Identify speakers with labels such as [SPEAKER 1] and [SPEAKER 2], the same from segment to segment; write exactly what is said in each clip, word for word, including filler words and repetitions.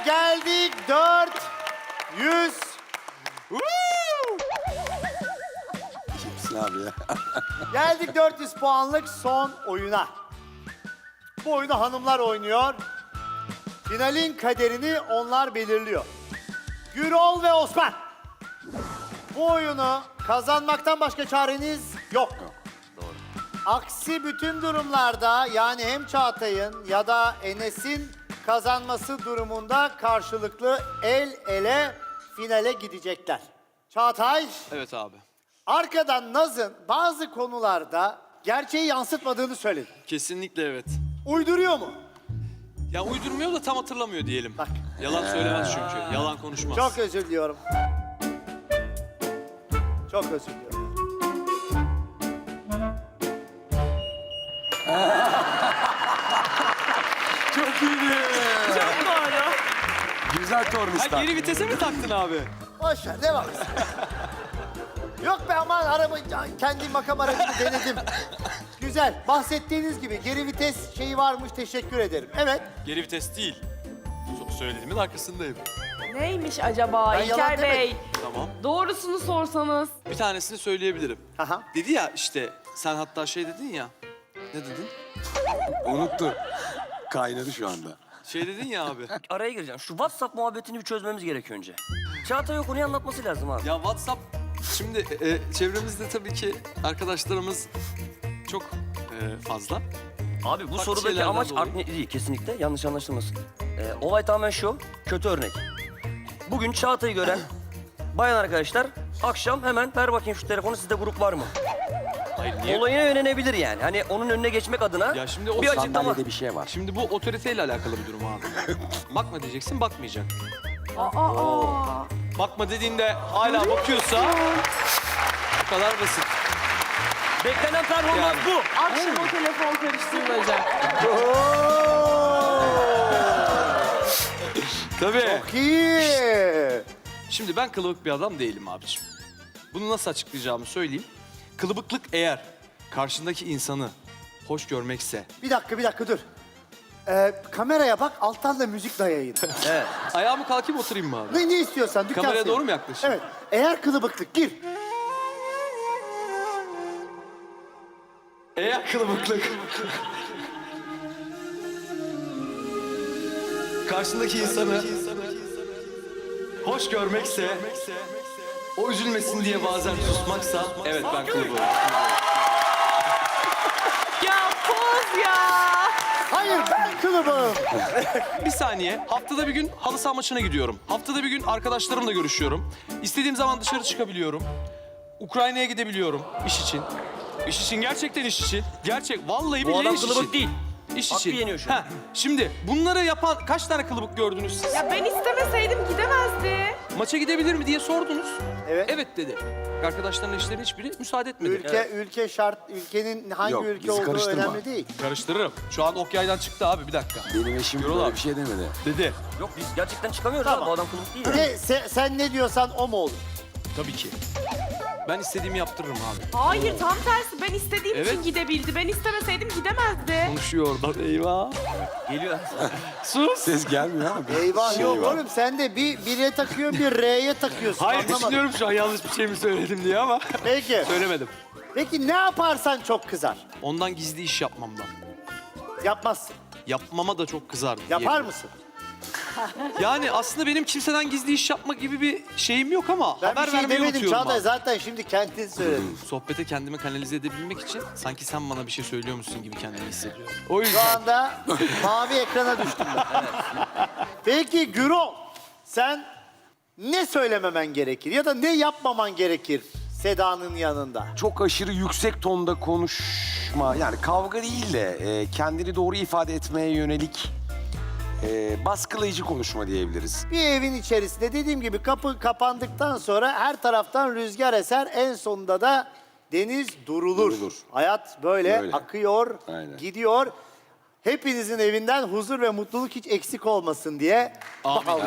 [SPEAKER 1] geldik dört yüz.
[SPEAKER 2] Kimsin abi ya?
[SPEAKER 1] Geldik dört yüz puanlık son oyuna. Bu oyunu hanımlar oynuyor. Finalin kaderini onlar belirliyor. Gürol ve Osman. Bu oyunu kazanmaktan başka çareniz yok.
[SPEAKER 2] Doğru.
[SPEAKER 1] Aksi bütün durumlarda yani hem Çağatay'ın ya da Enes'in kazanması durumunda karşılıklı el ele finale gidecekler. Çağatay,
[SPEAKER 3] Evet abi.
[SPEAKER 1] arkadan Naz'ın bazı konularda gerçeği yansıtmadığını söyledi.
[SPEAKER 3] Kesinlikle evet.
[SPEAKER 1] Uyduruyor mu?
[SPEAKER 3] Ya uydurmuyor da tam hatırlamıyor diyelim.
[SPEAKER 1] Bak.
[SPEAKER 3] Yalan söylemez çünkü. Yalan konuşmaz.
[SPEAKER 1] Çok özür diliyorum. Çok özür diliyorum.
[SPEAKER 2] Çok iyiydi.
[SPEAKER 3] Yapma hala.
[SPEAKER 2] Güzel
[SPEAKER 3] Ha,
[SPEAKER 2] tornistan.
[SPEAKER 3] geri vitese mi taktın abi?
[SPEAKER 1] Boş ver, devam et. Yok be aman araba, kendi makam aracımı denedim. Güzel, bahsettiğiniz gibi geri vites şeyi varmış, teşekkür ederim. Evet,
[SPEAKER 3] Geri vites değil. So- Söylediğimin arkasındayım.
[SPEAKER 4] Neymiş acaba
[SPEAKER 1] Ben yalan
[SPEAKER 4] İlker Bey?
[SPEAKER 3] Tamam.
[SPEAKER 4] Doğrusunu sorsanız.
[SPEAKER 3] Bir tanesini söyleyebilirim.
[SPEAKER 1] aha.
[SPEAKER 3] Dedi ya işte sen hatta şey dedin ya. Ne dedin?
[SPEAKER 2] Unuttu. Kaynadı şu anda.
[SPEAKER 3] Şey dedin ya abi.
[SPEAKER 5] Araya gireceğim. Şu WhatsApp muhabbetini bir çözmemiz gerekiyor önce. Çağatay o konuyu anlatması lazım abi.
[SPEAKER 3] Ya WhatsApp şimdi e, çevremizde tabii ki arkadaşlarımız çok e, fazla.
[SPEAKER 5] Abi bu
[SPEAKER 3] Farklı
[SPEAKER 5] sorudaki
[SPEAKER 3] şeylerden
[SPEAKER 5] amaç
[SPEAKER 3] dolayı.
[SPEAKER 5] art niyetli değil kesinlikle. Yanlış anlaşılmasın. Ee, olay tamamen şu. Kötü örnek. Bugün Çağatay'ı gören bayan arkadaşlar akşam hemen ver bakayım şu telefonu, sizde grup var mı?
[SPEAKER 3] Hayır niye?
[SPEAKER 5] Olayına yönelebilir yani. Hani onun önüne geçmek adına
[SPEAKER 3] Ya şimdi o
[SPEAKER 5] bir açıklama.
[SPEAKER 2] Sandalyede bir şey var.
[SPEAKER 3] Şimdi bu otoriteyle alakalı bir durum abi. Bakma diyeceksin, bakmayacak.
[SPEAKER 4] Aa,
[SPEAKER 3] Bakma dediğinde hala bakıyorsa bu kadar basit.
[SPEAKER 5] Beklenen performans
[SPEAKER 3] Yani.
[SPEAKER 5] bu.
[SPEAKER 4] akşam o telefon karıştırılacak.
[SPEAKER 3] Tabii.
[SPEAKER 1] Çok iyi.
[SPEAKER 3] Şimdi ben kılıbık bir adam değilim abiciğim. Bunu nasıl açıklayacağımı söyleyeyim. Kılıbıklık eğer karşındaki insanı hoş görmekse,
[SPEAKER 1] Bir dakika, bir dakika dur. Ee, kameraya bak, alttan da müzik dayayın.
[SPEAKER 5] Evet.
[SPEAKER 3] ayağımı kalkayım oturayım mı abi?
[SPEAKER 1] ne, ne istiyorsan, dükkan
[SPEAKER 3] Kameraya
[SPEAKER 1] senin.
[SPEAKER 3] doğru mu yaklaşayım?
[SPEAKER 1] Evet, eğer kılıbıklık gir.
[SPEAKER 3] Eğer kılıbıklık karşındaki insanı hoş görmekse, o üzülmesin diye bazen susmaksa, evet ben kılıbığım.
[SPEAKER 4] Ya poz ya.
[SPEAKER 1] Hayır, ben kılıbığım.
[SPEAKER 3] Bir saniye. Haftada bir gün halı saha maçına gidiyorum. Haftada bir gün arkadaşlarımla görüşüyorum. İstediğim zaman dışarı çıkabiliyorum. Ukrayna'ya gidebiliyorum iş için. İş için, gerçekten iş için. Gerçek, vallahi
[SPEAKER 5] Bu
[SPEAKER 3] billahi
[SPEAKER 5] adam
[SPEAKER 3] iş için.
[SPEAKER 5] kılıbık değil.
[SPEAKER 3] İş
[SPEAKER 5] Hakkı
[SPEAKER 3] için.
[SPEAKER 5] yeniyor şu an.
[SPEAKER 3] Heh, şimdi bunları yapan kaç tane kılıbık gördünüz siz?
[SPEAKER 4] Ya ben istemeseydim gidemezdi.
[SPEAKER 3] Maça gidebilir mi diye sordunuz.
[SPEAKER 1] Evet.
[SPEAKER 3] Evet dedi. Arkadaşların işlerinin hiçbiri müsaade etmedi.
[SPEAKER 1] Ülke, ülke şart, ülkenin hangi
[SPEAKER 2] Yok,
[SPEAKER 1] ülke
[SPEAKER 2] bizi
[SPEAKER 1] olduğu
[SPEAKER 2] karıştırma.
[SPEAKER 1] önemli değil.
[SPEAKER 3] Karıştırırım. Şu an ok yaydan çıktı abi, bir dakika.
[SPEAKER 2] Benim eşim
[SPEAKER 3] Yürü
[SPEAKER 2] böyle
[SPEAKER 3] lan.
[SPEAKER 2] bir şey demedi.
[SPEAKER 3] Dedi.
[SPEAKER 5] Yok biz gerçekten çıkamıyoruz
[SPEAKER 1] Tamam.
[SPEAKER 5] abi. Bu adam kılıbık değil.
[SPEAKER 1] Ne, sen, sen ne diyorsan o mu olur?
[SPEAKER 3] Tabii ki. Ben istediğimi yaptırırım abi.
[SPEAKER 4] Hayır tam tersi. Ben istediğim
[SPEAKER 3] Evet.
[SPEAKER 4] için gidebildi. Ben istemeseydim gidemezdi.
[SPEAKER 3] Konuşuyor oradan. Eyvah.
[SPEAKER 5] Geliyor.
[SPEAKER 3] Sus.
[SPEAKER 2] Ses gelmiyor ama. bir
[SPEAKER 1] Eyvah
[SPEAKER 2] şey
[SPEAKER 1] yok
[SPEAKER 2] var.
[SPEAKER 1] oğlum, sen de bir bire takıyorsun, bir R'ye takıyorsun.
[SPEAKER 3] Hayır,
[SPEAKER 1] Anlamadım.
[SPEAKER 3] düşünüyorum şu an yanlış bir şey mi söyledim diye ama
[SPEAKER 1] Peki,
[SPEAKER 3] söylemedim.
[SPEAKER 1] peki ne yaparsan çok kızar?
[SPEAKER 3] Ondan gizli iş yapmamdan.
[SPEAKER 1] Yapmazsın.
[SPEAKER 3] Yapmama da çok kızardı.
[SPEAKER 1] Yapar
[SPEAKER 3] diyebilirim.
[SPEAKER 1] mısın?
[SPEAKER 3] Yani aslında benim kimseden gizli iş yapma gibi bir şeyim yok ama
[SPEAKER 1] Ben
[SPEAKER 3] haber
[SPEAKER 1] bir şey
[SPEAKER 3] vermeyi
[SPEAKER 1] demedim
[SPEAKER 3] unutuyorum
[SPEAKER 1] Çağatay,
[SPEAKER 3] abi.
[SPEAKER 1] zaten şimdi kendin söyledin.
[SPEAKER 3] Sohbete kendimi kanalize edebilmek için sanki sen bana bir şey söylüyormuşsun gibi kendimi hissediyorum. O
[SPEAKER 1] Şu
[SPEAKER 3] yüzden
[SPEAKER 1] anda mavi ekrana düştüm ben. Peki Gürol, sen ne söylememen gerekir ya da ne yapmaman gerekir Seda'nın yanında?
[SPEAKER 2] Çok aşırı yüksek tonda konuşma. Yani kavga değil de e, kendini doğru ifade etmeye yönelik e, baskılayıcı konuşma diyebiliriz.
[SPEAKER 1] Bir evin içerisinde dediğim gibi kapı kapandıktan sonra her taraftan rüzgar eser, en sonunda da deniz durulur.
[SPEAKER 2] Durulur.
[SPEAKER 1] Hayat böyle,
[SPEAKER 2] Böyle.
[SPEAKER 1] akıyor,
[SPEAKER 2] Aynen.
[SPEAKER 1] gidiyor. Hepinizin evinden huzur ve mutluluk hiç eksik olmasın diye.
[SPEAKER 3] Amin.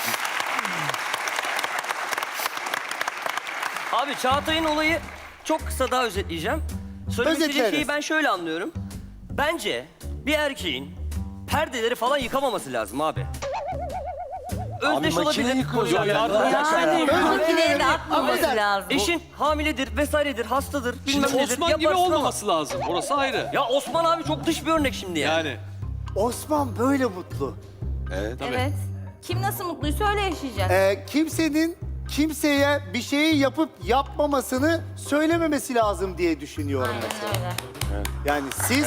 [SPEAKER 5] Abi Çağatay'ın olayı çok kısa daha özetleyeceğim. Söylemek istediğim
[SPEAKER 1] Özetleriz.
[SPEAKER 5] şeyi ben şöyle anlıyorum. Bence bir erkeğin perdeleri falan yıkamaması lazım abi. özdeş
[SPEAKER 2] makine
[SPEAKER 5] olabilir.
[SPEAKER 2] yıkıyoruz
[SPEAKER 3] Ya,
[SPEAKER 2] zaten.
[SPEAKER 3] ya,
[SPEAKER 6] Yani makineye de
[SPEAKER 1] Ama
[SPEAKER 6] atmaması
[SPEAKER 1] der-
[SPEAKER 6] lazım.
[SPEAKER 5] Eşin hamiledir vesairedir, hastadır, bilmem
[SPEAKER 3] Şimdi
[SPEAKER 5] nedir.
[SPEAKER 3] Osman gibi
[SPEAKER 5] yaparsın ama-
[SPEAKER 3] olmaması lazım. Orası ayrı.
[SPEAKER 5] Ya Osman abi çok dış bir örnek şimdi yani.
[SPEAKER 3] Yani.
[SPEAKER 1] Osman böyle mutlu.
[SPEAKER 2] Evet.
[SPEAKER 6] Evet. Kim nasıl mutluysa öyle yaşayacak.
[SPEAKER 1] Ee, kimsenin kimseye bir şeyi yapıp yapmamasını söylememesi lazım diye düşünüyorum
[SPEAKER 6] Aynen
[SPEAKER 1] mesela.
[SPEAKER 6] öyle.
[SPEAKER 1] Yani siz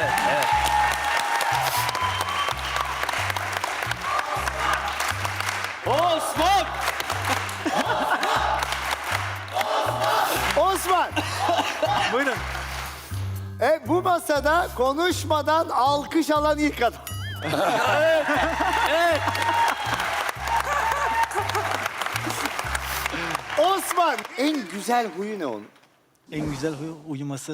[SPEAKER 3] Osman!
[SPEAKER 1] Osman.
[SPEAKER 7] Buyurun.
[SPEAKER 1] E, bu masada konuşmadan alkış alan ilk adam.
[SPEAKER 5] Evet.
[SPEAKER 1] Osman en güzel huyu ne onun?
[SPEAKER 7] En güzel huyu uyuması.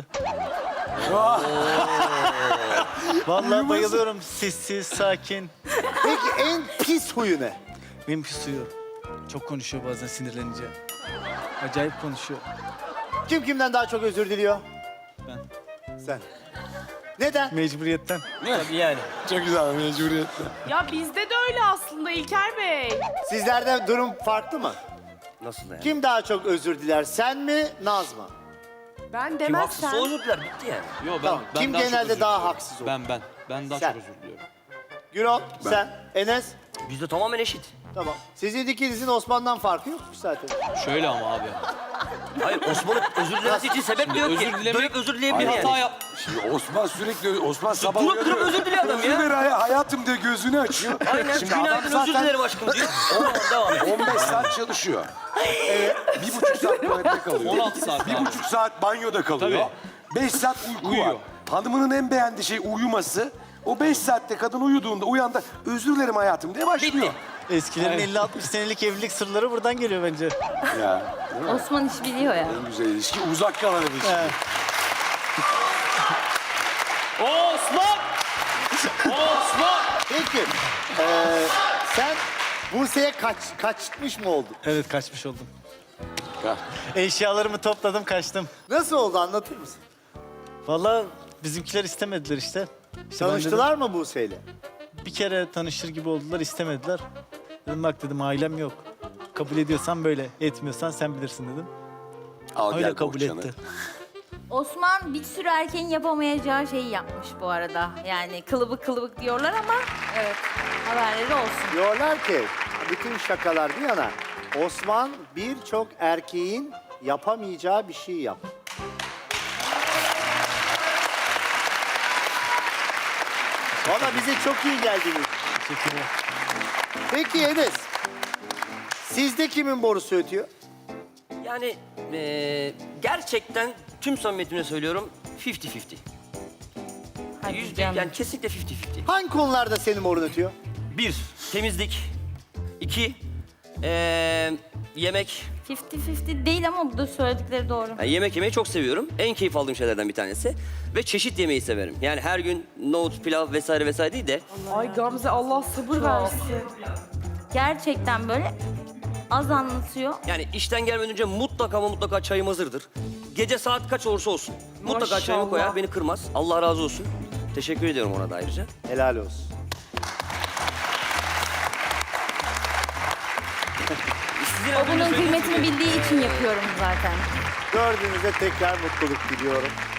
[SPEAKER 7] Vallahi bayılıyorum. Sessiz, sakin.
[SPEAKER 1] Peki en pis huyu ne?
[SPEAKER 7] Benim suyu. Çok konuşuyor bazen sinirlenince. Acayip konuşuyor.
[SPEAKER 1] Kim kimden daha çok özür diliyor?
[SPEAKER 7] Ben.
[SPEAKER 1] Sen. Neden?
[SPEAKER 7] Mecburiyetten.
[SPEAKER 5] Tabii yani.
[SPEAKER 2] Çok güzel mecburiyetle.
[SPEAKER 4] Ya bizde de öyle aslında İlker Bey.
[SPEAKER 1] Sizlerde durum farklı mı?
[SPEAKER 5] Nasıl yani?
[SPEAKER 1] Kim daha çok özür diler? Sen mi, Naz mı?
[SPEAKER 4] Ben
[SPEAKER 5] Kim haksızsa
[SPEAKER 4] demezsem.
[SPEAKER 5] özür diler bitti yani.
[SPEAKER 3] Yo, ben,
[SPEAKER 1] Tamam.
[SPEAKER 3] ben
[SPEAKER 1] Kim
[SPEAKER 3] daha çok
[SPEAKER 1] genelde
[SPEAKER 3] özür
[SPEAKER 1] daha
[SPEAKER 3] diliyorum.
[SPEAKER 1] haksız olur?
[SPEAKER 3] Ben ben. Ben daha
[SPEAKER 1] Sen.
[SPEAKER 3] çok özür diliyorum.
[SPEAKER 1] Gürol, sen, Enes.
[SPEAKER 5] Bizde tamamen eşit.
[SPEAKER 1] Tamam. Sizin ikinizin Osman'dan farkı yokmuş zaten.
[SPEAKER 3] Şöyle ama abi.
[SPEAKER 5] Hayır Osman'ın özür dilemesi için sebep de yok
[SPEAKER 3] özür
[SPEAKER 5] ki.
[SPEAKER 3] dilemek-
[SPEAKER 5] Dönüp özür
[SPEAKER 3] Bir
[SPEAKER 5] dileyebilir
[SPEAKER 3] hata
[SPEAKER 5] yani.
[SPEAKER 3] yap.
[SPEAKER 2] Şimdi Osman sürekli Osman sabah
[SPEAKER 5] Durup durup özür diliyor adam ya.
[SPEAKER 2] Özür ver hayatım diye gözünü açıyor.
[SPEAKER 5] Aynen.
[SPEAKER 2] Şimdi adam
[SPEAKER 5] Günaydın özür
[SPEAKER 2] zaten
[SPEAKER 5] dilerim aşkım diyor. Tamam devam et.
[SPEAKER 2] on beş saat çalışıyor. Evet. Bir buçuk saat tuvalette kalıyor.
[SPEAKER 3] on altı saat
[SPEAKER 2] Bir
[SPEAKER 3] abi.
[SPEAKER 2] buçuk saat banyoda kalıyor. Beş saat uyku
[SPEAKER 3] Uyuyor.
[SPEAKER 2] var. Hanımının en beğendiği şey uyuması. O beş saatte kadın uyuduğunda uyandı. Özür dilerim hayatım diye başlıyor.
[SPEAKER 5] Bitti.
[SPEAKER 7] Eskilerin
[SPEAKER 3] Evet.
[SPEAKER 7] elli altmış senelik evlilik sırları buradan geliyor bence.
[SPEAKER 2] Ya.
[SPEAKER 6] Osman iş biliyor ya.
[SPEAKER 2] En güzel ilişki uzak kalan ilişki.
[SPEAKER 7] He.
[SPEAKER 3] Osman! Osman!
[SPEAKER 1] Peki. Ee, sen Buse'ye kaç, kaçmış mı oldun?
[SPEAKER 7] Evet kaçmış oldum.
[SPEAKER 2] Ha.
[SPEAKER 7] Eşyalarımı topladım kaçtım.
[SPEAKER 1] Nasıl oldu anlatır mısın?
[SPEAKER 7] Vallahi bizimkiler istemediler işte. İşte ben
[SPEAKER 1] Tanıştılar mı Buse'yle?
[SPEAKER 7] dedim, bir kere tanışır gibi oldular istemediler. Dedim bak dedim ailem yok. Kabul ediyorsan böyle, etmiyorsan sen bilirsin dedim.
[SPEAKER 2] Al
[SPEAKER 7] Öyle
[SPEAKER 2] gel
[SPEAKER 7] kabul
[SPEAKER 2] bohçanı.
[SPEAKER 7] etti.
[SPEAKER 6] Osman bir sürü erkeğin yapamayacağı şeyi yapmış bu arada. Yani kılıbık kılıbık diyorlar ama evet haberleri olsun.
[SPEAKER 1] Diyorlar ki bütün şakalar bir yana Osman birçok erkeğin yapamayacağı bir şey yaptı. Valla bize çok iyi geldiniz.
[SPEAKER 7] Teşekkürler.
[SPEAKER 1] Peki Enes, sizde kimin borusu ötüyor?
[SPEAKER 5] Yani eee, gerçekten tüm samimiyetimle söylüyorum elli elli.
[SPEAKER 6] Hadi
[SPEAKER 5] Yüzde
[SPEAKER 6] canım.
[SPEAKER 5] yani kesinlikle elli elli.
[SPEAKER 1] Hangi konularda senin borun ötüyor?
[SPEAKER 5] Bir, temizlik. İki, eee, yemek.
[SPEAKER 6] elli elli değil ama bu da söyledikleri doğru.
[SPEAKER 5] Yani yemek yemeyi çok seviyorum. En keyif aldığım şeylerden bir tanesi. Ve çeşit yemeyi severim. Yani her gün nohut, pilav vesaire vesaire değil de
[SPEAKER 4] Ay Gamze Allah sabır versin.
[SPEAKER 6] Gerçekten böyle az anlatıyor.
[SPEAKER 5] yani işten gelmeden önce mutlaka ama mutlaka çayım hazırdır. Gece saat kaç olursa olsun. Mutlaka çayımı
[SPEAKER 4] Maşallah.
[SPEAKER 5] koyar, beni kırmaz. Allah razı olsun. Teşekkür ediyorum ona da ayrıca.
[SPEAKER 1] Helal olsun.
[SPEAKER 5] Sizin
[SPEAKER 6] O
[SPEAKER 5] adınız
[SPEAKER 6] bunun
[SPEAKER 5] söylediğiniz
[SPEAKER 6] kıymetini
[SPEAKER 5] gibi-
[SPEAKER 6] bildiği için yapıyorum zaten.
[SPEAKER 1] Dördünüze tekrar mutluluk diliyorum.